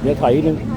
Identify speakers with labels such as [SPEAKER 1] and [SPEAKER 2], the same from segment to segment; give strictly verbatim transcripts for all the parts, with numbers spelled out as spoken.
[SPEAKER 1] ดี๋ยวถอยนิดนึง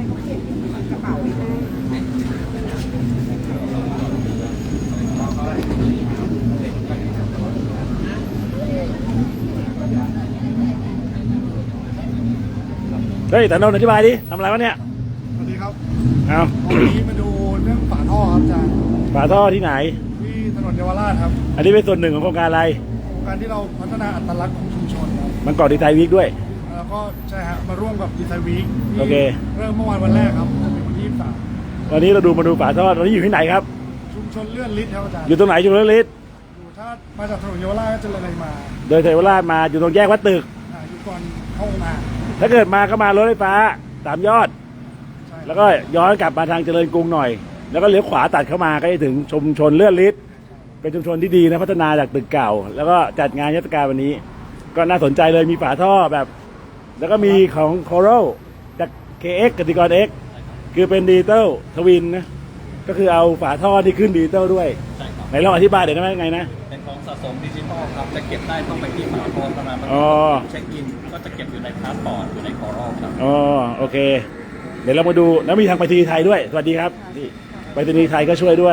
[SPEAKER 1] เฮ้ยแต่นนท์อธิบายดิทำอะไรวะเนี่ย
[SPEAKER 2] สวัสดีครับ
[SPEAKER 1] เอา
[SPEAKER 2] วันนี้มาดูเรื่องฝาท่อครับอาจารย์
[SPEAKER 1] ฝาท่อที่ไหน
[SPEAKER 2] ที่ถนนเยาวราชครับ
[SPEAKER 1] อันนี้เป็นส่วนหนึ่งของโครงการอะไร
[SPEAKER 2] โครงการที่เราพัฒนาอัตลักษณ์ของชุมชนครับ
[SPEAKER 1] มันก่อดีไซน์วีคด้วย
[SPEAKER 2] แล้วก็ใช่ฮะมาร่วมกับดีไซน์วีค
[SPEAKER 1] โอเค
[SPEAKER 2] เริ่มเมื่อวานวันแรกครับจะเป็นวันที่ยี่สิบสาม
[SPEAKER 1] วันนี้เราดูมาดูฝาท่อตอนนี้อยู่ที่ไหนครับ
[SPEAKER 2] ชุมชนเลื่อนลิศครับอาจารย์
[SPEAKER 1] อยู่ตรงไหนอยู่ตรงลิศ
[SPEAKER 2] อยู่ถ้ามาจากถนนเยาวราชก็จะเลยมา
[SPEAKER 1] โดยเยาวราชมาอยู่ตรงแยกวัดตึก
[SPEAKER 2] อยู่ก่อนเข้ามา
[SPEAKER 1] ถ้าเกิดมาก็มารถไฟฟ้าสามยอดแล้วก็ย้อนกลับมาทางเจริญกรุงหน่อยแล้วก็เลี้ยวขวาตัดเข้ามาก็จะถึงชุมชนเลื่อนลิศเป็นชุมชนที่ดีนะพัฒนาจากตึกเก่าแล้วก็จัดงานเทศกาลวันนี้ก็น่าสนใจเลยมีฝาท่อแบบแล้วก็มีของโคโรจาก เค เอ็กซ์ กติกร X คือเป็นดิจิตอลทวินนะก็คือเอาฝาท่อที่ขึ้นดิจิตอลด้วยไหนลองอธิบายเดี๋ยวได้ไหมไงนะ
[SPEAKER 3] เป็นของสะสมดิจิตอลครับจะเก็บได้ต้องไปที่ฝาท่อเท่านั้นเช็คอินก็จะเก็บอยู่ในพาสปอร์ตอยู่ในคอรัลครับ
[SPEAKER 1] อ๋อโอเคเดี๋ยวเรามาดูแล้วมีทางไปรษณีย์ไทยด้วยสวัสดีครับที่ไปรษณีย์ไทยก็ช่วยด้วย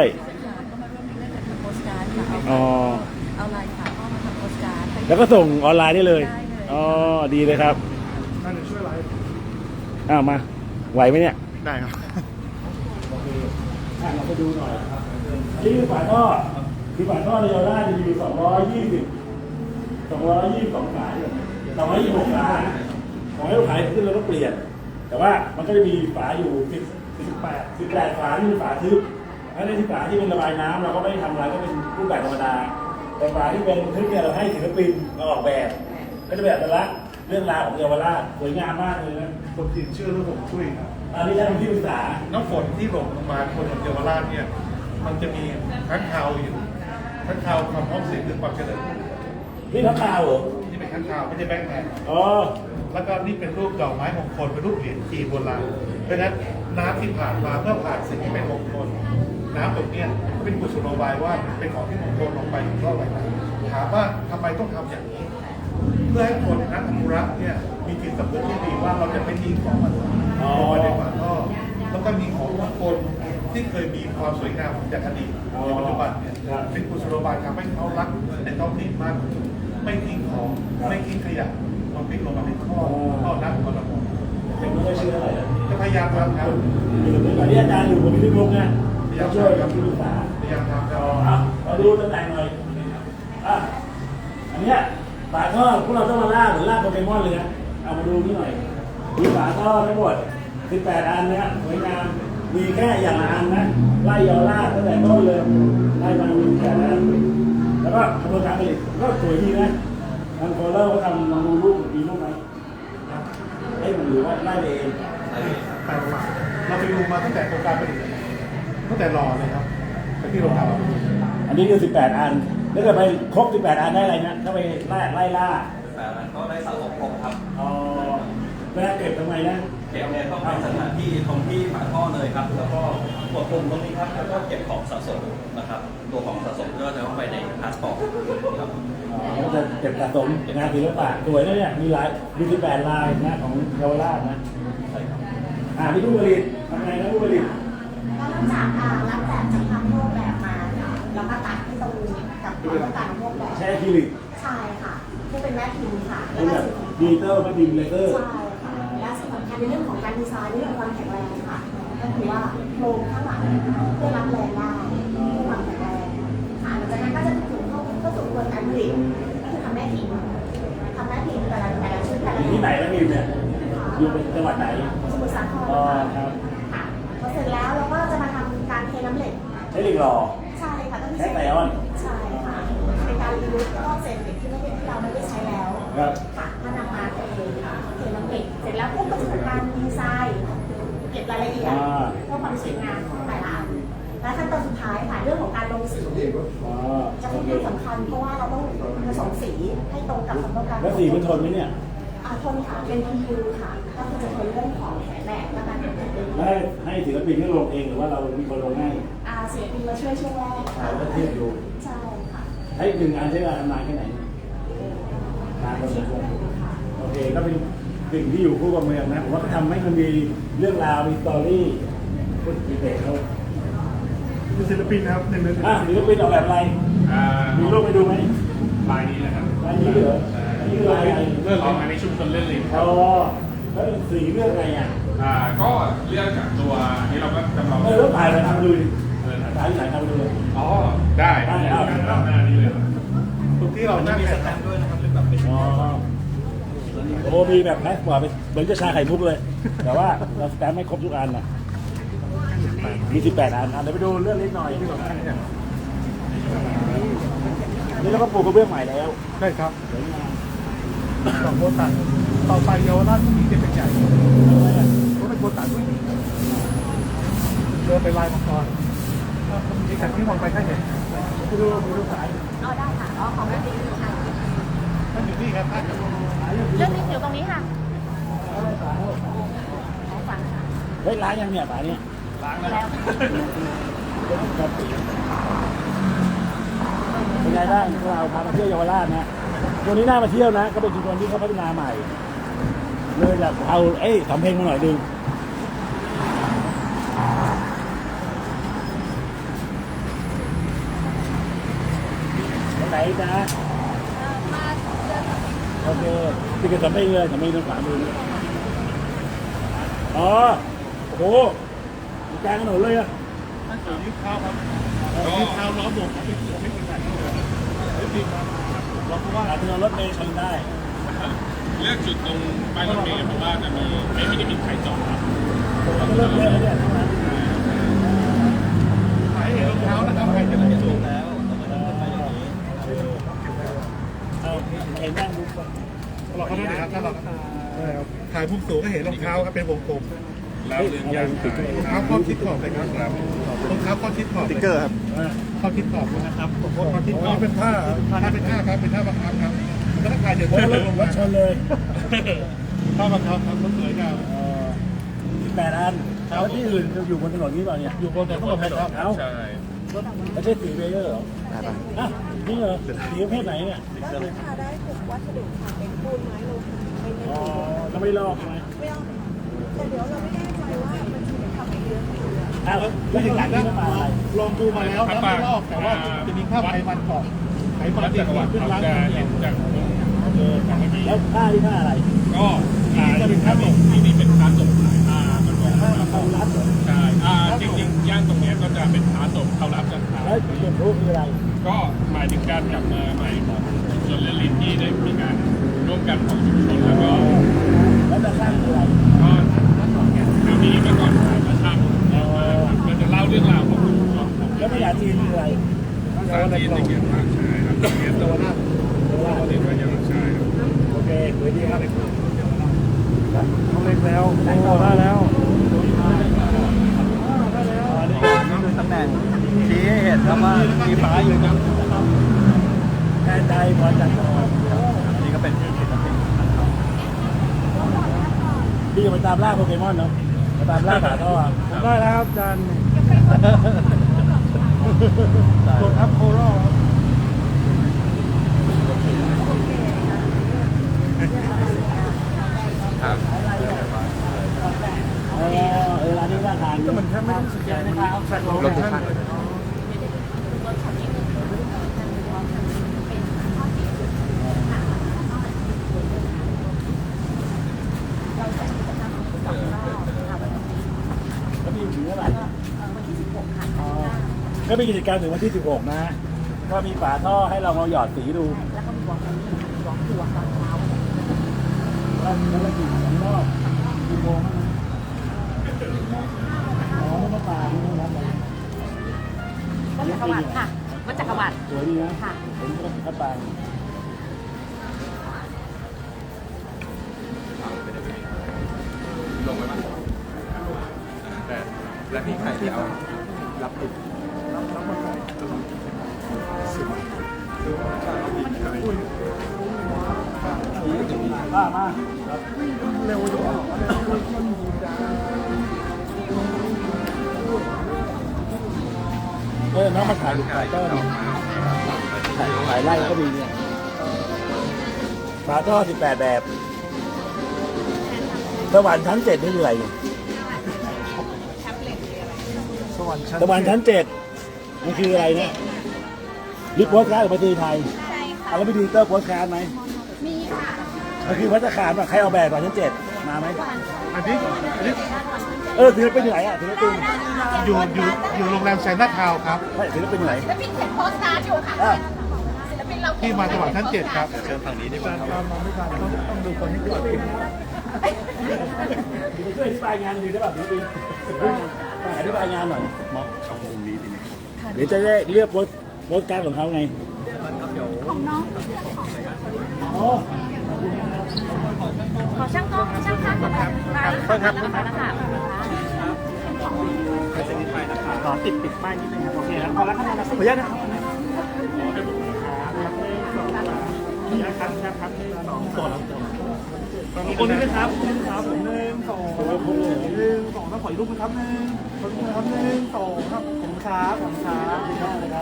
[SPEAKER 1] อ๋อ
[SPEAKER 4] เอาลายฝาท่อมาทำโปสการ์ด
[SPEAKER 1] แล้วก็ส่งออนไลน์ได้เลยอ๋อดีเลยครับ
[SPEAKER 2] น่าจะช่วยไลฟ์
[SPEAKER 1] อ้าวมาไหวไหมเนี่ย
[SPEAKER 2] ได้ครับ
[SPEAKER 1] โอเคเราไปดูหน่อยครับนี่คือฝาท่อคือฝาท่อในเยาวราชจะมีสองร้อยยี่สิบสองร้อยยี่สิบสองฝาสองร้อยยี่สิบหกฝาของให้ลูกขายขึ้นแล้วก็เปลี่ยนแต่ว่ามันก็จะมีฝาอยู่สิบสิบแปดสิบแปดฝาที่เป็นฝาทึบถ้าในที่ฝาที่เป็นระบายน้ำเราก็ไม่ได้ทำอะไรก็เป็นรูปแบบธรรมดาแต่ฝาที่เป็นทึบเนี่ยเราให้ศิลปินมาออกแบบก็จะแบบแต่ละเรื่องราวของเยาวราชสวยงามมากเลยนะ
[SPEAKER 2] ผมติดเชื่อเรื่องผมช่วยครับ
[SPEAKER 1] อันนี้ท่านที่ปรึกษา
[SPEAKER 2] น้ำฝนที่หล่นลงมาบนถนนเยาวราชเนี่ยมันจะมีค้างคาวอยู่ค้างคาวความพร้อมเสียงหรือความเจริญ
[SPEAKER 1] นี่ค้างคาวเหรอ
[SPEAKER 2] นี่เป็นค้างคาวไม่ใช่แบงค์แมน
[SPEAKER 1] อ๋อ
[SPEAKER 2] แล้วก็นี่เป็นรูปดอกไม้มงคลเป็นรูปเหรียญจีนโบราณเพราะฉะนั้นน้ำที่ผ่านมาเมื่อผ่านสิ่งที่เป็นมงคลน้ำตรงนี้เป็นกุศโลบายว่าเป็นของที่มงคลลงไปเพราะอะไรถามว่าทำไมต้องทำอย่างนี้เพื่อให้คนนักอนุรักษ์เนี่ยมีจิตสำนึกที่ดีว่าเราจะไม่ทิ้งของมันลงไปในฝาท่อแล้วก็มีของมงคลที่เคยมีความสวยงามจากอดีตในปัจจุบันเนี่ยเป็นกุศโลบายทำให้เขารักในท้องถิ่นมากขึ้นไม่ทิ้งของไม่ทิ้งขยะมันพลิกลงมาในท่อท่อน้ำของเรา
[SPEAKER 1] ยังไม่ได้เชื่ออะไร
[SPEAKER 2] จะพยายามทำครับ
[SPEAKER 1] ตอนนี้อาจารย์อยู่ผมที่ลุงนะช่วยกับที่ปรึกษา
[SPEAKER 2] พยายามทำครับ
[SPEAKER 1] มาดูตำแหน่งหน่อยอ่ะอันนี้ฝาท่อพวกเราต้องมาล่าเหมือนล่าโปเกมอนเลยนะเอามาดูนี่หน่อยมีฝาท่อทั้งหมดสิบแปดอันนะสวยงามมีแค่อย่างละอันนะไล่ยาวล่าตั้งแต่ต้นเลยไล่มาดูแค่นั้นแล้วก็กระบวนการผลิตก็สวยดีนะทางโคเลอร์เขาทำลองดูรูปมีรูปไหมให้มันหรือว่าไล่เอง
[SPEAKER 2] แต่เราไปดูมาตั้งแต่โครงการผลิตตั้งแต่รอเลยครับที่โรงงาน
[SPEAKER 1] อันนี้คือสิบแปดอันถ้าเกิดไปครบสิบแปดอันได้อะไรนะถ้าไปไล่ไล่ล่า
[SPEAKER 3] แปดอันก็ได้สะสมครบครับ
[SPEAKER 1] อ๋อแล้วเก็บทำไมนะ
[SPEAKER 3] เก็บเนี่ยต้องเป็นสถานที่ตรงที่ฝาท่อเลยครับแล้วก็กดปุ่มตรงนี้ครับแล้วก็เก็บของสะสมนะครับตัวของสะสมก็จะเข้าไปในพาสปอร์ตครับ
[SPEAKER 1] อ๋อจะเก็บสะสมงานศิลปะสวยนะเนี่ยมีลายมีสิบแปดลายนะของเยาวราชนะ
[SPEAKER 3] ใช่ครับ
[SPEAKER 1] อ่าที่ผู้ผลิตทำไงนะผู้ผลิต
[SPEAKER 4] ก็เริ่มจากรับแบบจากทำรูปแบบมาแล้วก็ตัดที่ตรงกับความต้องการของรูปแบบ
[SPEAKER 1] ใช่คิลิก
[SPEAKER 4] ใช่ค่ะที่เป็นแม่พิมพ์ค่ะ
[SPEAKER 1] เป็นแบบดิจิตอลแม่พิมพ์เลเซอร์
[SPEAKER 4] ใช่ค่ะและสิ่งสำคัญในเรื่องของการดีไซน์เรื่องความแข็งแรงค่ะก็คือว่าโครงข้างหลังเพื่อรับแรงได้เพื่อความแข็งแรงค่ะหลังจากนั้นก็จะถูกเข้าเข้าสู่กระบวนการผลิตก็คือทำแม่พิมพ์ทำแม่พิมพ์แต่ละแต่ละชุดแต่ละ
[SPEAKER 1] ที่ไหนแม่พิมพ์เนี่ยอยู่เป็นจังหวัดไหน
[SPEAKER 4] สมุทรสาคร
[SPEAKER 1] อ๋อครับ
[SPEAKER 4] ค่ะพอเสร็จแล้วเราก็จะมาทำการเทน้ำเหล็ก
[SPEAKER 1] ใช้เหล็กหล่อ
[SPEAKER 4] ใช่ค่ะต้อง
[SPEAKER 1] ใช้ไซออน
[SPEAKER 4] ใช่ค่ะเป็นการรียูสก็เศษเหล็กที่ไม่ได้ที่เราไม่ได้ใช้แล้ว
[SPEAKER 1] ครับ
[SPEAKER 4] ค่ะถ้านำมาเทเทน้ำเหล็กเสร็จแล้วพวกก็จะทำการดีไซน์เก็บรายละเอียดเพื่อความสวยงามของแต่ละอันและขั้นตอนสุดท้ายค่ะเรื่องของการลงสีจะค่อนข้างสำคัญเพราะว่าเราต้องผสมสีให้ตรงกับความต้องการ
[SPEAKER 1] แล้วสีมันทนไหมเนี่ย
[SPEAKER 4] ทนค่ะเป็น พี ยู ค่ะก็คือจะทนเรื่องของแสงแดดและการเป็นแดด
[SPEAKER 1] ให้ให้ศิลปินที่ลงเองหรือว่าเรามีคนลงให้
[SPEAKER 4] อ่าศิลปินมาช่วยช่วงแรกค่ะ
[SPEAKER 1] แล้วเทียบดู
[SPEAKER 4] ใช่ค่ะ
[SPEAKER 1] ให้หนึ่งงานใช้เวลานานแค่ไหนนานพอสมควรโอเคก็เป็นสิ่งที่อยู่คู่กับเมืองนะผมว่าเขาทำให้มันมีเรื่องราวมีสตอรี่พูดดีเทลเขา
[SPEAKER 2] เป็นศิลปินนะครับหนึ่งหนึ่ง
[SPEAKER 1] อ่ะศิลปินออกแบบอะไร
[SPEAKER 5] อ่า
[SPEAKER 1] มีรูปไปดูไหม
[SPEAKER 5] ลายนี้นะครับ
[SPEAKER 1] ลายนี้เหรออันนี้คือลายอะไร
[SPEAKER 5] เรื่องของอันนี้ชุมชนเล่นลิ้นค
[SPEAKER 1] อ๋
[SPEAKER 5] รั
[SPEAKER 1] อบ แล้วสีเรื่องอะไรอ่ะ
[SPEAKER 5] อ่าก็เรื่องจากตัวอันนี้เราก็จำลอง
[SPEAKER 1] เออแล้วถ่ายไปทำดูดิ
[SPEAKER 5] เออ
[SPEAKER 1] ถ่ายที่ไหนทำดูเลย
[SPEAKER 5] อ๋อได้ได้เอาเอาหน้านี้เลยครับ
[SPEAKER 2] ตรงที่เรานั่ง
[SPEAKER 3] มี
[SPEAKER 2] เนี่
[SPEAKER 3] ส
[SPEAKER 2] ย
[SPEAKER 3] แตมป์ด้วยนะครับเป็นแบบเป็น
[SPEAKER 1] อ๋อโอ้มีแบบแพ็คกว่าไปเหมือนจะชาไข่มุกเลย แต่ว่าเราสแตมป์ไม่ครบทุกอันน่ะมีสิบแปดอันอ่ะเดี๋ยวไปดูเรื่องนิดหน่อยที่สำคัญเนี่ยนี่เราก็ปลูกกระเบื้องใหม่แล้ว
[SPEAKER 2] ใช่ครับ
[SPEAKER 1] สวยงาม
[SPEAKER 2] สองโบตันต่อไปเยาวราชที่จะเป็นใหญ่ก็เป็นโบตันผู้หญิงเดินไปลายมังกรมีขันที่มองไปท่านเห็น
[SPEAKER 1] ไปดูไปดูสาย
[SPEAKER 4] อ๋อได้ค่ะอ๋อของแม่ติ๊กค่ะ
[SPEAKER 2] ท่านอยู่นี่ครับท่าน
[SPEAKER 4] เรื่องนี้อยู่ตรงนี้ค่ะของฝันค่ะ
[SPEAKER 1] เฮ้ยร้านยังเนี่ยสายเนี่ย
[SPEAKER 5] ล้างแล้ว
[SPEAKER 4] แล้ว
[SPEAKER 1] ครับเป็นไงบ้างพวกเราพามาเที่ยวเยาวราชนะตัวนี้น่ามาเที่ยวนะ ก็เป็นชุมชนที่เขาพัฒนาใหม่ เลยอยากเอาเอ้ยสำเพ็งมาหน่อยดึงไหนนะโอเคติดกับสำเพ็งเลยสำเพ็งตรงขวามือนี่อ๋อโอ้โหอยู่กลางถนนเลยอะ
[SPEAKER 2] ท่านสื่อนิ้วเท้าครับนิ้วเท้าล้อมวงครับเป็นที่ไม่เป็นไรไม่จริงครับเราเพราะว่า
[SPEAKER 1] อาจจะรถเมล์ชนได้
[SPEAKER 5] เลือกจุดตรงป้ายรถเมล์เพราะว่าจะมีไม่ไม่ได้มีใครจอดครับ
[SPEAKER 1] ก็เริ่มเยอะแล้วเนี่ยทั้งนั้น
[SPEAKER 2] ขายเห็นรองเท้านะครับใครจะได้สูง
[SPEAKER 3] แล้วเรามาเริ่มต้นไปอย่างนี้
[SPEAKER 1] เอาเห็นนั่งดูก่อน
[SPEAKER 2] เราเขาด้วยนะครับถ้าเราถ่ายมุมสูงก็เห็นรองเท้าครับเป็นวงกลม
[SPEAKER 5] แล้วเรื่องย่างขาย
[SPEAKER 2] รองเท้าข้อทิศขอบเลยครับรองเท้าข้อทิศขอบติ๊กเกอร์ครับ
[SPEAKER 1] อ่า
[SPEAKER 2] ข้อทิศขอบนะครับข้อทิศขอบเป็นท่าท่าเป็นท่าครับเป็นท่าบังคับครับก็ต้องถ่ายเดี๋ยว
[SPEAKER 1] โอ้
[SPEAKER 2] รถ
[SPEAKER 1] รถ
[SPEAKER 2] ลง
[SPEAKER 1] ร
[SPEAKER 2] มา
[SPEAKER 1] ถชนเลย
[SPEAKER 2] ท่าบังคับครับรถสวยงาม
[SPEAKER 1] เอ่อสิบแปดอันแล้วที่อื่นจะอยู่บนถนนนี้เปล่าเนี่ย
[SPEAKER 2] อยู่บนถนนครับ
[SPEAKER 1] เอ้า
[SPEAKER 5] ใช่
[SPEAKER 1] ไม่ใช่สีเบเยอร์เหรออ่ะนี่เหรอสีประเภทไหนเนี่ย
[SPEAKER 6] ได้ค่ะได้ทุกวัสดุค่ะเป็นปูนไม้โลหะเป็นเม
[SPEAKER 1] อ๋อ
[SPEAKER 6] ทัล
[SPEAKER 1] แล้วไม่ลอกใช่ไหม
[SPEAKER 6] ไม่เอาแต่เดี๋ยวเราไม่แน่ใจว่ามันจะเป็นทำให้เยอะหรือเปล่า
[SPEAKER 1] อ้าวแล้วถึงหลังนี่มันมาอะไร
[SPEAKER 2] ลองดูมาแล้วนะไม่ลอกแต่ว่าจะมีค่าไขมันก่อนไขมัน
[SPEAKER 5] วัด
[SPEAKER 2] ติ
[SPEAKER 5] จั
[SPEAKER 2] ด
[SPEAKER 5] กรวรรดิ
[SPEAKER 2] ขึ้น
[SPEAKER 5] เขา
[SPEAKER 2] ล้าง
[SPEAKER 5] จะ
[SPEAKER 2] เดี
[SPEAKER 5] เห็
[SPEAKER 2] ย
[SPEAKER 5] น
[SPEAKER 2] ว
[SPEAKER 5] จาก
[SPEAKER 1] โอเคแล้วผ้าที่ผ้าอะไร
[SPEAKER 5] ก็อ่าจะเป็นค่าส่งที่นี่เป็นค่าส่งขายอ่ามันก็
[SPEAKER 1] ผ้ามาเข้ารัดเหรอ
[SPEAKER 5] ใช่อ่าจริงๆย่างตรงเนี้ยก็จะเป็นค้าส่งเข้ารับกันขาย
[SPEAKER 1] แล้วเก็บรูปคืออะไร
[SPEAKER 5] ก็หมายถึงการกลับมาใหม่ของชุมชนและลิ้นที่ได้มีการร่วมกันของชุมชนแล้วก็
[SPEAKER 1] แล้วจะสร้างคืออะไร
[SPEAKER 5] ก็คือมีเมื่อก่อนขายมาช่างเยอะมากครับก็จะเล่าเรื่องราวของชุมชนของ
[SPEAKER 1] แล้วภาษาจีนคืออะไร
[SPEAKER 5] ภาษาจีนจะเขียนภาคชายครับเขียนตัวหน้าตัวเรียนว่ายังชายครับ
[SPEAKER 1] โอเคสวยดีครับ
[SPEAKER 2] เขาเล็กแล้วโอ้ได้แล้ว
[SPEAKER 3] ดูตำแหน่งชี้ให้เห็นครับว่ามีฟ้าอยู่ครับ
[SPEAKER 1] แทนใจพรจันทร์
[SPEAKER 3] อันนี้ก็เป็นศิลปิน
[SPEAKER 1] พี่จะไปตามล่าโปเกมอนเนาะไปตามล่าขาท่อ
[SPEAKER 2] ได้แล้วครับอาจารย์กดอัพโคโรครับ
[SPEAKER 1] เออเออร้านนี้น่าทานก็มันแค่ไม่ต้องสแกนนะครับแฟลชโลเคชั่นแล้วมีถึงเมื่อไหร่
[SPEAKER 4] วันที่สิบหกค่ะ
[SPEAKER 1] ก็มีกิจกรรมถึงวันที่สิบหกนะ ก็มีฝาท่อให้เรามาหยอดสีดู
[SPEAKER 4] แล้วก็มีวอล์กอันนี้วอล์กตัวตอนเช้า
[SPEAKER 1] แล้วแล้วก็กี่สองรอบกี่โมงอ๋อไม่ต้องปลาไม่ต้องรับอะไร
[SPEAKER 4] วัดจักรวรรดิค่ะวัดจักรวรรดิ
[SPEAKER 1] สวยดีนะ
[SPEAKER 4] ค่ะ
[SPEAKER 1] ผมก็คัดปลา
[SPEAKER 5] ลงไปมั้ยแต่และมีใครที่เอารับติด
[SPEAKER 1] ป้ามา
[SPEAKER 2] เร็วจัง
[SPEAKER 1] เออน้องมาถ่ายลูกถ่ายต้นถ่ายถ่ายไล่ก็มีเนี่ยฝาท่อสิบแปดแบบสวรรค์ชั้นเจ็ดนี่คืออะไรเนี่ย
[SPEAKER 2] สวรรค์ชั้น
[SPEAKER 1] สวรรค์ชั้นเจ็ดมันคืออะไรเนี่ยรีบโพสต์การ์ดของประเทศไทย
[SPEAKER 6] ใช่ค่ะ
[SPEAKER 1] เอาแล้วไปดูเตอร์โพสต์การ์ดไหม
[SPEAKER 6] มีค่ะ
[SPEAKER 1] มันคือพัฒนาการแบบใครเอาแบบสวรรค์ชั้นเจ็ดมาไหม
[SPEAKER 2] อันนี้อันนี้
[SPEAKER 1] เออศิลปินอยู่ไหนอ่ะศิลปิน
[SPEAKER 2] อยู่อยู่อยู่โรงแรมแซนนาทาวน์ครับ
[SPEAKER 1] ไม่ศิลปินอยู่ไหน
[SPEAKER 4] ศิลปินเขียนโพสต์การ์ดอยู่ค่ะ
[SPEAKER 1] อ้าว
[SPEAKER 4] ศิลปินเรา
[SPEAKER 2] ที่มาสวรรค์ชั้นเจ็ดครับ
[SPEAKER 3] เชิญฝั่งนี้ดีกว่าครับ
[SPEAKER 2] ตามมาไม่ทันต้องต้องดูคนที่ก่อนอีก
[SPEAKER 1] ช่วยอธิบายงานดีได้ป่ะศิลปินอธิบายงานหน่อย
[SPEAKER 3] มอบช่องมุมนี้ดีไหม
[SPEAKER 1] เดี๋ยวจะได้เลือกโพสต์โพสต์การ์ดของเขาไง
[SPEAKER 6] ของน้อง
[SPEAKER 1] อ๋อ
[SPEAKER 6] ขอช่างกล้องช่างภาพก่อนค่ะได้ค่ะแล้วค่ะแล้วค่ะ
[SPEAKER 1] ขอติดปิดป้ายนิดนึงครับโอเคครับพอแล้วครับขออนุญาตนะครับขออนุญาตครับครับครับสองตัวแล้วคนนี้นะครับหนึ่งครับหนึ่งสองหนึ่งสองแล้วขออีกรูปนะครับหนึ่งขอบคุณครับหนึ่งสองครับผมครับผมครับดีมากเลยครับ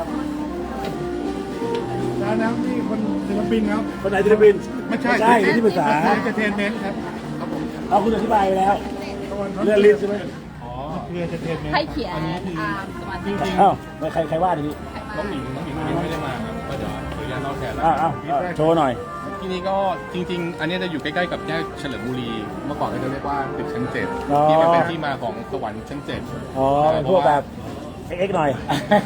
[SPEAKER 2] แล้วนะนี่คนศิลปินครับ
[SPEAKER 1] คนไหนศิลปิน
[SPEAKER 2] ไม่ใช่
[SPEAKER 1] ใช่ที่ปรึกษา
[SPEAKER 2] เอนเตอร์เทนเมนต์ครับครับผม
[SPEAKER 1] เอาคุณอธิบายไปแล้วเรื่องลิสต์ใช่ไหม
[SPEAKER 2] อ๋อคือเอนเตอร์เทนเมนต์
[SPEAKER 6] ให้เขียนอ่าสมาธิ
[SPEAKER 1] อ้าวไม่ใครใครว่าทีนี้
[SPEAKER 5] น้องหมิงน้องหมิงวันนี้ไม่ได้มาครับก็เดี๋ยวขออนุญาตเล่าแทนแล้ว
[SPEAKER 1] อ้าวอ้าวโชว์หน่อย
[SPEAKER 5] ที่นี่ก็จริงๆ อันนี้จะอยู่ใกล้ๆกับแยกเฉลิมบุรี เมื่อก่อนก็จะเรียกว่าตึกชั้นเจ็ด
[SPEAKER 1] อ๋อ
[SPEAKER 5] ที่มันเป็นที่มาของสวรรค์ชั้นเจ็ด
[SPEAKER 1] อ๋อพวกแบบเอ็กซ์หน่อย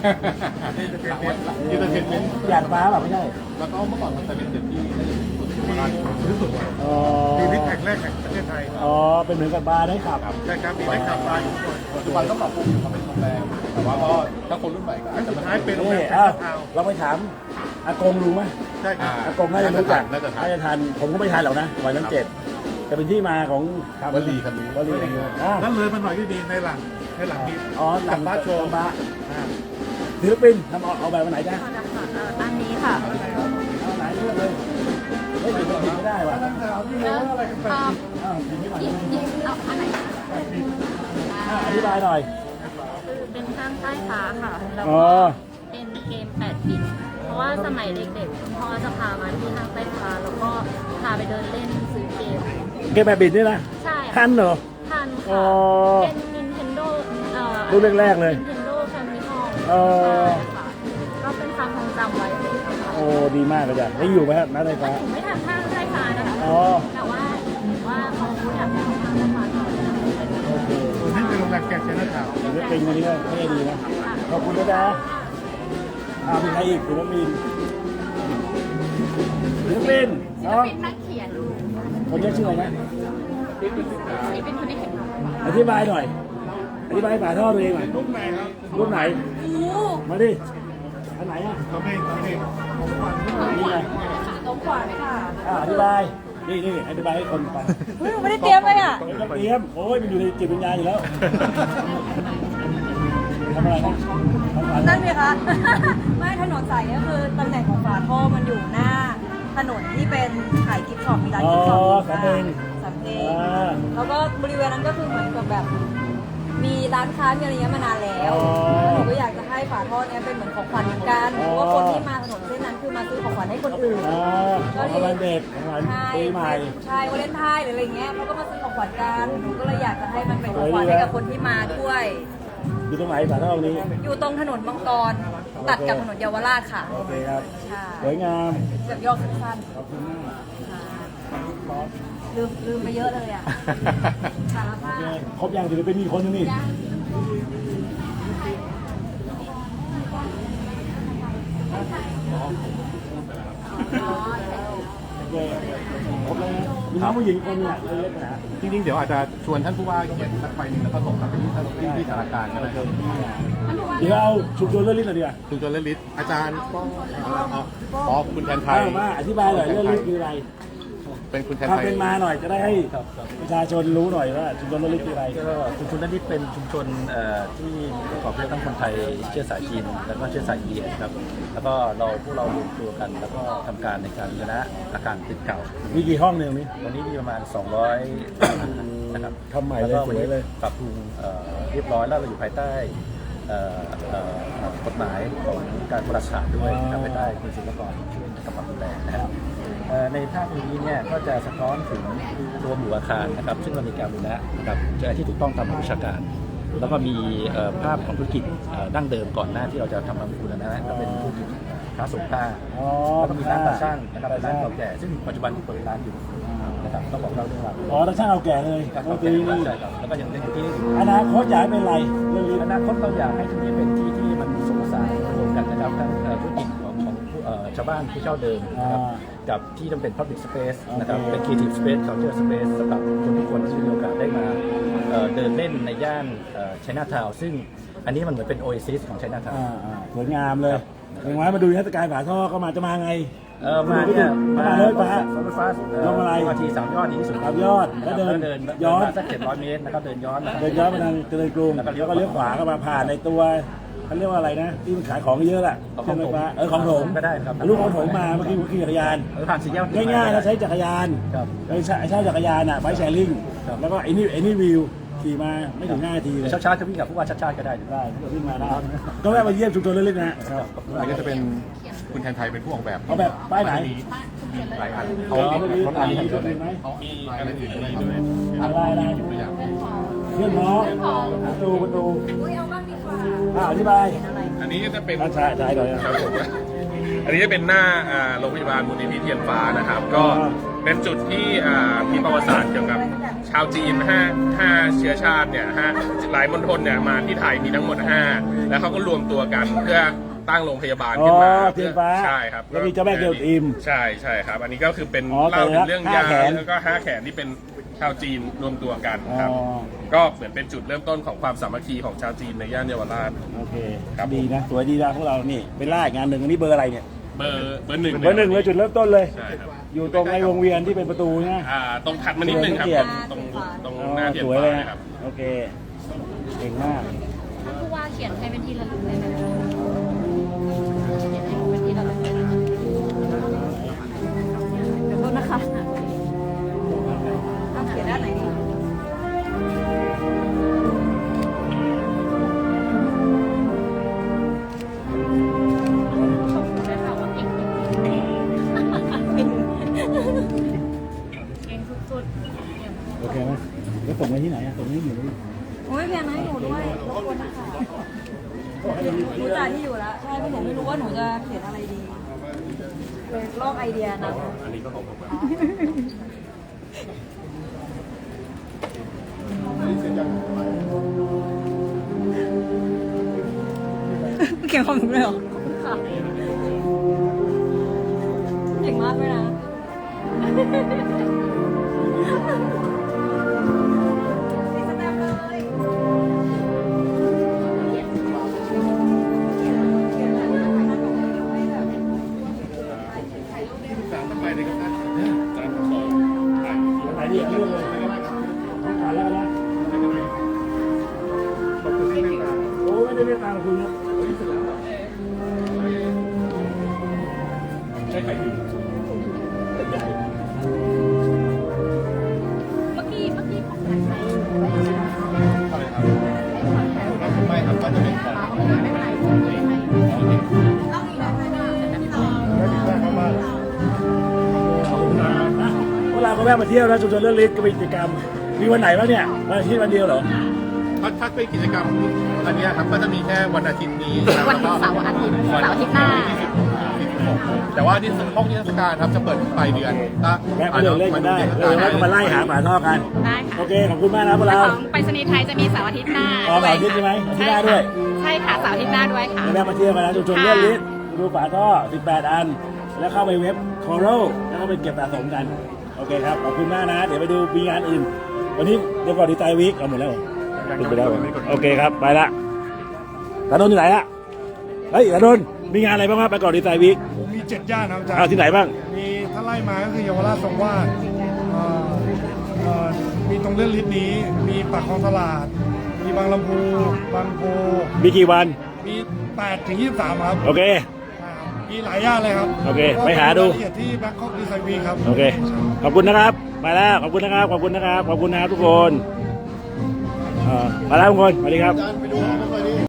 [SPEAKER 5] ยูเตอร์เทนเมนต์
[SPEAKER 1] หยาดฟ้าแบบไม่ใช่
[SPEAKER 5] แล้วก็เมื่อก่อนมันจะเป็นตึกที่น่าจะเป็นสุด
[SPEAKER 1] อ๋อ
[SPEAKER 2] มีวิทย์แห่งแรกแห่งประเทศไทย
[SPEAKER 1] อ๋อเป็นเหมือนกับบาร์ได้ขับ
[SPEAKER 2] ใช่ครับมีได้ขับมาอยู่
[SPEAKER 5] ปัจจุบันต้องปรับปรุงทำเป็นโรงแรมแต่ว่าก็ถ้าคนรุ่นใหม่ก็อาจจะ
[SPEAKER 2] สุด
[SPEAKER 5] มา
[SPEAKER 2] ท้ายเป็นโรงแร
[SPEAKER 1] นี่
[SPEAKER 2] มแซน
[SPEAKER 1] อ้าว
[SPEAKER 2] นาทาวน์
[SPEAKER 1] เราไปถามอากงรู้ไหม
[SPEAKER 2] ใช่ครับ
[SPEAKER 1] อากงน่าจะรู้จัก
[SPEAKER 5] น่าจะทัน
[SPEAKER 1] น่าจะทันผมก็ไม่ทันหรอกนะวันนั้นเจ็ดจะเป็นที่มาของ
[SPEAKER 5] วลีคำนี้
[SPEAKER 1] วลีคำนี้อ่า
[SPEAKER 2] นั่นเลยมันหน่อยที่ดีในหลังในหลังนี้
[SPEAKER 1] อ๋อหลัง
[SPEAKER 2] บ้าโชว์
[SPEAKER 1] บ้าศิลปินทำเอาเอาแบบวันไหนจ้า
[SPEAKER 6] อันนี้ค่ะ
[SPEAKER 1] เอาไหนเลือกเลยเฮ้ยผิดผิดไม่ได้ว่ะ
[SPEAKER 6] แล้วอ่า
[SPEAKER 1] อ้าวผิดไม่ไหว
[SPEAKER 6] หยิบหยิบเอาอันไหน
[SPEAKER 1] อ่าอธิบายหน่อย
[SPEAKER 7] คือเป็นข้างใต้ฟ้าค่ะ แล้ว
[SPEAKER 1] อ๋
[SPEAKER 7] ก็
[SPEAKER 1] อ
[SPEAKER 7] เป็นเกมแปดบิต เพราะว่าสมัยเด็กๆคุณพ่อจะพามาที่ข้างใต้ฟ้า แล้วก็พาไปเดินเล่นซื้อเกม
[SPEAKER 1] เกมแบบบิดนี่นะ
[SPEAKER 7] ใช่
[SPEAKER 1] ทันเหรอ
[SPEAKER 7] ทัน
[SPEAKER 1] อ๋อ
[SPEAKER 7] ค่ะ เป็น Nintendo เอ่อ
[SPEAKER 1] รุ่นแรกๆเลย
[SPEAKER 7] Nintendo Famicom
[SPEAKER 1] อ๋อ
[SPEAKER 7] ใช่ค่ะ ก็เป็นความทรงจำไว้เลยค่ะ
[SPEAKER 1] โอ้ดีมากเลยจ้ะได้อยู่ไหมครับน้าไฟฟ้า
[SPEAKER 7] ผมไม่ทันข้างใต้ฟ้านะคะ
[SPEAKER 1] อ๋อ
[SPEAKER 7] แต่ว่าว่าเขาอยากให้เขาข้างใต้ฟ้าต่อ
[SPEAKER 1] โอเค
[SPEAKER 2] ตัวนี้เป็นโรงแรมแกรนด์แซนนาทาวน์
[SPEAKER 1] ศิลปินวันนี้ก็เท่ดีนะขอบคุณนะจ๊ะอ่ามีใครอีกศิลปินศิลปินน้อง
[SPEAKER 6] เป็นนักเขียน
[SPEAKER 1] คนนี้ชื่ออะไรนะ
[SPEAKER 6] นี่เป็นคนที่เขียน
[SPEAKER 1] อธิบายหน่อย อธิบายฝาท่อตัวเองหน่อย
[SPEAKER 2] รูปไหนครับ
[SPEAKER 1] รุ่นไหน
[SPEAKER 6] โอ้
[SPEAKER 1] มาดิอันไหนอ่ะ
[SPEAKER 2] เขาไม่เขาไม่ผมฟัง
[SPEAKER 1] นี่ไง
[SPEAKER 6] ตรงขวาไหมค่ะ
[SPEAKER 1] อ่าอธิบายนี่นี่อธิบายให้คนฟัง
[SPEAKER 6] เฮ้ยไม่ได้เตรียมเลยอ่ะ
[SPEAKER 1] ไม่ต้องเตรียมโอ้ยมันอยู่ในจิตวิญญาณอยู่แล้วทำอะไรนะทำอะไร
[SPEAKER 6] นั่นไหมคะ ไม่ถนนสายก็คือตำแหน่งของฝาท่อมันอยู่หน้า ถนนที่เป็นขายกิฟต์ช็อปมีร้าน
[SPEAKER 1] อ๋อ
[SPEAKER 6] กิฟต์ช็อป
[SPEAKER 1] สำเพ็ง
[SPEAKER 6] สำเพ็ง
[SPEAKER 1] อ่า
[SPEAKER 6] แล้วก็บริเวณนั้นก็คือเหมือนกับแบบ มีร้านค้ามีอะไรเงี้ยมานานแล้ว
[SPEAKER 1] อ๋อ
[SPEAKER 6] หนูก็อยากจะให้ฝาท่อเนี้ยเป็นเหมือนของขวัญเหมือนกัน
[SPEAKER 1] อ๋อ
[SPEAKER 6] เพราะว่าคนที่มาถนนเส้นนั้นคือมาซื้อของขวัญให้คนอื่น
[SPEAKER 1] อ่าของวันเด็กของวัน
[SPEAKER 6] ใช่
[SPEAKER 1] ปีใหม่
[SPEAKER 6] ใช่วาเลนไทน์หรืออะไรเงี้ยเขาก็มาซื้อของขวัญกันหนูก็เลยอยากจะให้มันเป็นของขวัญให้กับคนที่มาด้วย
[SPEAKER 1] อยู่ตรงไหนฝาท่อตรงนี้
[SPEAKER 6] อยู่ตรงถนนบางกรตัดกับถนนเยาวราชค่ะ
[SPEAKER 1] โอเคครับ
[SPEAKER 6] ใช่
[SPEAKER 1] สวยงาม
[SPEAKER 6] แบบย่อสั้น
[SPEAKER 1] ขอบคุณมาก
[SPEAKER 6] ๆลืมลืมไปเยอะเลยอ่ะสารภา
[SPEAKER 1] โอ
[SPEAKER 6] พ
[SPEAKER 1] เคครบยังศิลปินมีคนนึงนี่โอเคครบแล้วนะมีน้องผู้หญิงคนหนึงอ่ะเล็กๆนะ
[SPEAKER 5] จริงๆ เดี๋ยวอาจจะชวนท่านผู้ว่าเขียนสักใบหนึ่งแล้วก็ส่งกลับไปที่ท่านที่ที่สารกลารก็ได้ครับ
[SPEAKER 1] เดี๋ยวเอาชุมชนเรื่องลิ้นหน่อยดีกว่า
[SPEAKER 5] คุณจรลิศอาจารย์ก็อ๋อคุณแทนไทย
[SPEAKER 1] เอามาอธิบายหน่อยเรื่องลิ้นคืออะไร
[SPEAKER 5] เป็นคุณแทน
[SPEAKER 1] ความ
[SPEAKER 5] ไทย
[SPEAKER 1] เป็นมาหน่อยจะได้ให้ประชาชนรู้หน่อยว่าชุมชนเรื่องลิ้นคืออะไร
[SPEAKER 3] ก็ชุมชนนั้นนี่เป็นชุมชนเอ่อที่ประกอบด้วยทั้งคนไทยเชื้อสายจีนแล้วก็เชื้อสายอินเดียครับแล้วก็เราพวกเรารวมตัวกัน แล้วก็ทำการในการชนะอาการติดเก่า
[SPEAKER 1] มีกี่ห้องเนี่ยตรงนี้
[SPEAKER 3] วันนี้มีประมาณ สองร้อย นะครับ
[SPEAKER 1] ทำใหม่เลย
[SPEAKER 3] แล้วก็วัน
[SPEAKER 1] สวย
[SPEAKER 3] นี้
[SPEAKER 1] เลย
[SPEAKER 3] ปรับปรุงเอ่อเรียบร้อยแล้วเราอยู่ภายใต้เอ่อเอ่อกฎหมายของการบริษัทด้วยนะครับภายใต้กรมศิลปากรช่วยกำกับดูแลนะครับเอ่อในภาพนี้เนี่ยก็จะสะท้อนถึงตัวหมู่อาคารนะครับซึ่งเรามีการบูรณะนะครับที่ถูกต้องตามหลักวิชาการ แล้วก็มีเอ่อภาพของธุรกิจเอ่อดั้งเดิมก่อนหน้าที่เราจะทำทำบูรณะก็เป็นธุรกิจค้าส่งผ้า
[SPEAKER 1] อ๋อ
[SPEAKER 3] แล้วก็มีร้านตาช่างนะครับเป็นร้านเก่าแก่ซึ่งปัจจุบันเปิดร้านอยู่นะครับต้องบอกเราเรื่องราว
[SPEAKER 1] อ๋อตาช่างเอาแก่เลย
[SPEAKER 3] ครับ
[SPEAKER 1] ก็คือนี่
[SPEAKER 3] ใช่ครับแล้วก็ยังเล่นอยู่ที่นี่อยู่
[SPEAKER 1] อนาคตอยากให้เป็นไรเรื่องนี้
[SPEAKER 3] อนาคตเราอยากให้ที่นี่เป็นที่ที่มันผสมผสานรวมกันนะครับทั้งเอ่อธุรกิจของของผู้เอ่อชาวบ้านผู้เช่าเดิมนะครับกับที่ต้องเป็น public space นะครับเป็น creative space culture space สำหรับคนทุกคนที่มีโอกาสได้มาเอ่อเดินเล่นในย่านไชน่าทาวน์ซึ่งอันนี้มันเหมือนเป็น oasis ของไชน่าทาวน์
[SPEAKER 1] อ่าอ่าสวยงามเลยอย่างไรมาดูนิทรรศการฝาท่อก็มาจะมาไง
[SPEAKER 3] เออมาเนี่ย
[SPEAKER 1] มาเลยฟ้า
[SPEAKER 3] รถไฟฟ้า
[SPEAKER 1] ลงอะไร
[SPEAKER 3] ทีสามยอดดีที่สุด
[SPEAKER 1] สามยอดแล้วเดิน
[SPEAKER 3] เดิน
[SPEAKER 1] ย้อน
[SPEAKER 3] สักเจ็ดร้อยเมตรนะครับเดินย้อนนะครับ
[SPEAKER 1] เดินย้อนมาทางเจริญกรุง
[SPEAKER 3] แล้วก็เลี้
[SPEAKER 1] แล้
[SPEAKER 3] ยว ว
[SPEAKER 1] ก็เลี้ยวขวาก็มาผ่านในตัวเขาเรียกว่าอะไรนะที่มันขายของเยอะแหละ
[SPEAKER 3] ของผม
[SPEAKER 1] ใช่ไหมฟ้าเออของผม
[SPEAKER 3] ก็ได้ครับ
[SPEAKER 1] ลูกของผมมาเมื่อกี้ผมขี่จักรยาน
[SPEAKER 3] เออผ่านสี่แยก
[SPEAKER 1] ง่ายๆแล้วใช้จักรยาน
[SPEAKER 3] ครับ
[SPEAKER 1] ไอ้ใช้ใช้จักรยานอ่ะไบค์แชร์ลิง
[SPEAKER 3] ครับ
[SPEAKER 1] แล้วก็ไอ้นี่ไอ้นี่วิวขี่มาไม่ถึงห้านาทีเลย
[SPEAKER 3] เช้าๆจะวิ่งกับผู้ว่าชาติชาติก็ได้
[SPEAKER 1] ได้ก็ขึ้นมาได้ก็แวะมาเยี่ยมชุมชนเล็กๆนะครับ
[SPEAKER 8] อันนี้จะเป็นคุณแทนไทยเป็นผู้ออกแบบ
[SPEAKER 1] เอาแบบป้ายไหน
[SPEAKER 8] หลายอัน
[SPEAKER 1] เอาแบบนี้
[SPEAKER 8] รถอันนี้
[SPEAKER 1] มี
[SPEAKER 8] เย
[SPEAKER 1] ร
[SPEAKER 8] อะ
[SPEAKER 1] ถ
[SPEAKER 8] เลย
[SPEAKER 1] อื่นไหม
[SPEAKER 8] มีอะไรอื่นด้วยด้วย
[SPEAKER 1] อะไรอะไร
[SPEAKER 8] ตัวอย่าง
[SPEAKER 1] เพื่อนพ้องประตูประตู
[SPEAKER 6] อุ้ยเอาบ้างดีกว่า
[SPEAKER 1] อ่าอธิบาย
[SPEAKER 8] อันนี้ก็จะเป็น
[SPEAKER 1] อ่าใช่ใช่หน่อย
[SPEAKER 8] ครับผมอันนี้จะเป็นหน้าอ่าโรงพยาบาลมูลนิธิเทียนฟ้านะครับ ก็เป็นจุดที่อ่ามีประวัติศาสตร์เกี่ยวกับชาวจีนห้าห้าเชื้อชาติเนี่ยห้าหลายมณฑลเนี่ยมาที่ไทยมีทั้งหมดห้าแล้วเขาก็รวมตัวกันเพื่อตั้งโรงพยาบาล
[SPEAKER 1] อ๋อ
[SPEAKER 8] ขึ้นมา
[SPEAKER 1] เทียนฟ้า
[SPEAKER 8] ใช่ครับ
[SPEAKER 1] แล้วมีเจ้าแม่เกลอิม
[SPEAKER 8] ใช่ใช่ครับ อันนี้ก็คือเป็น
[SPEAKER 1] อ๋อ
[SPEAKER 8] เล่าถึงเรื่องยา
[SPEAKER 1] ห้าแขน
[SPEAKER 8] แล้วก็ห้าแขนที่เป็นชาวจีนรวมตัวกัน
[SPEAKER 1] อ๋อ
[SPEAKER 8] ครับ ก็เหมือนเป็นจุดเริ่มต้นของความสามัคคีของชาวจีนในย่านเยาวราช
[SPEAKER 1] โอเค
[SPEAKER 8] ครับ
[SPEAKER 1] ดีนะสวยดีนะพวกเรานี่เป็นล่าอีกงานหนึ่งอันนี้เบอร์อะไรเนี่ย
[SPEAKER 8] เบอร์เบอร์หนึ่ง
[SPEAKER 1] เบอร์หนึ่งเลยจุดเริ่มต้นเลย
[SPEAKER 8] ใช่ครับ
[SPEAKER 1] อยู่ตรงในวงเวียนที่เป็นประตูนะ
[SPEAKER 8] อ่าตรงถัดมานิดนึงครับ
[SPEAKER 1] เกียรติ
[SPEAKER 8] ตรงตรง
[SPEAKER 1] อ๋อ
[SPEAKER 8] หน้าเทียน
[SPEAKER 1] สวย
[SPEAKER 8] ฟ้า
[SPEAKER 1] เลย
[SPEAKER 8] นะ
[SPEAKER 1] นะครับ โอเคเก่งมาก
[SPEAKER 7] ผู้ว่าเขียนให้เป็นที่ระลึกเลยนะเขียนให้เป็นที่ระลึกเลยนะเดี๋ยวโทษนะคะเอาเขียนด้านไหนดีชมได้ค่ะว่าเก่งจริงๆเก่งสุดๆ
[SPEAKER 1] โอเคไหมแล้วส่งไปที่ไหนอะส่งที่อยู่นี่
[SPEAKER 6] โอ้ยเพียงให้หนูด้วยรบกวนนะคะหนูจ่ายที่อยู่แล้ว ใช่เพราะหนูไม่รู้ว่าหนูจะเขียนอะไรดีเลยลอกไอเดียนะ
[SPEAKER 8] อันนี้ก็ของผมครับ
[SPEAKER 6] เขียนของหนูเลยเหรอค่ะเก่งมากเลยนะติดสแตมป์เลยเขียนอะไรนะถ่ายหน้าปกให้แบบ
[SPEAKER 8] สามไปเลยครับท่านสามสองถ่าย
[SPEAKER 1] ไหนดีเรื่องเลยต้องการแล้วนะโอ้ไม่ได้เรียกตามคุณนะ
[SPEAKER 8] ใช้ไข่ดิบ
[SPEAKER 7] เมื่อกี้เมื่อกี้ของใครใส่
[SPEAKER 8] อะไรครับไม่ครับก็จะเป็นของ
[SPEAKER 7] ไม่เป็นไรไม่เป็นไร
[SPEAKER 6] ต้องอีกแบบไหนนะ
[SPEAKER 1] พวกเราก็แวะมาเที่ยวนะชุมชนเรื่องลิ้นก็มีกิจกรรมมีวันไหนบ้างเนี่ยวันอาทิตย์วันเดียวเหรอ
[SPEAKER 8] ถ้าเป็นกิจกรรมอันนี้ครับก็จะมีแค่วันอาทิตย์นี้
[SPEAKER 7] วันเสาร์อาทิตย์เสาร์อาทิตย์หน้า
[SPEAKER 8] แต่ว่าที่ห้องนิทรรศการครับจะเปิดปลายเดือนถ้า
[SPEAKER 1] แวะมาเดินเล่นกันได้เออแล้วก็มาไล่หาฝาท่อกัน
[SPEAKER 9] ได้ค่ะ
[SPEAKER 1] โอเคขอบคุณมากนะพวกเรา
[SPEAKER 9] ของไปรษณีย์ไทยจะมีเสาร์อาทิตย์หน้า
[SPEAKER 1] อ๋อเสาร์อาทิตย์ใช่ไหมอาทิตย์หน้าด้วย
[SPEAKER 9] ใช่ค่ะเสาร์อาทิตย์หน้าด้วยค่ะ
[SPEAKER 1] แล้วแวะมาเที่ยวกันนะชุมชนเรื่องลิ้นดูฝาท่อสิบแปดอัน แล้วเข้าไปเว็บ Coral แล้วก็ไปเก็บสะสมกันโอเคครับขอบคุณมากนะ เดี๋ยวไปดูมีงานอื่น วันนี้เดี๋ยวก่อนดีใจวีคเอาหมดแล้วเหรอปิดไปแล้วเหรอโอเคครับไปละตาโดนที่ไหนละเฮ้ยตาโดนมีงานอะไรบ้างครับไปก่อนดีใจวีค
[SPEAKER 2] มีเจ็ดย่านครับอาจาร
[SPEAKER 1] เอา
[SPEAKER 2] ย์
[SPEAKER 1] ที่ไหนบ้าง
[SPEAKER 2] มีถ้าไล่มาก็คือเยาวราชทรงวาดเอ่อเอ่อมีตรงเลื่อนลิฟต์นี้ มีปากคลองตลาด มีบางลำพูบางโพ
[SPEAKER 1] มีกี่วัน
[SPEAKER 2] มีแปดถึงยี่สิบสามครับ
[SPEAKER 1] โอเค
[SPEAKER 2] อ่ามีหลายย่านเลยครับ
[SPEAKER 1] โอเคไปหาดู
[SPEAKER 2] รายละเอียดที่ Bangkok Design Week ครับ
[SPEAKER 1] โอเค ขอบคุณนะครับ ไปแล้ว ขอบคุณนะครับ ขอบคุณนะครับ ขอบคุณนะครับทุกคนเอ่อมาแล้วทุกคน สวัสดีครับ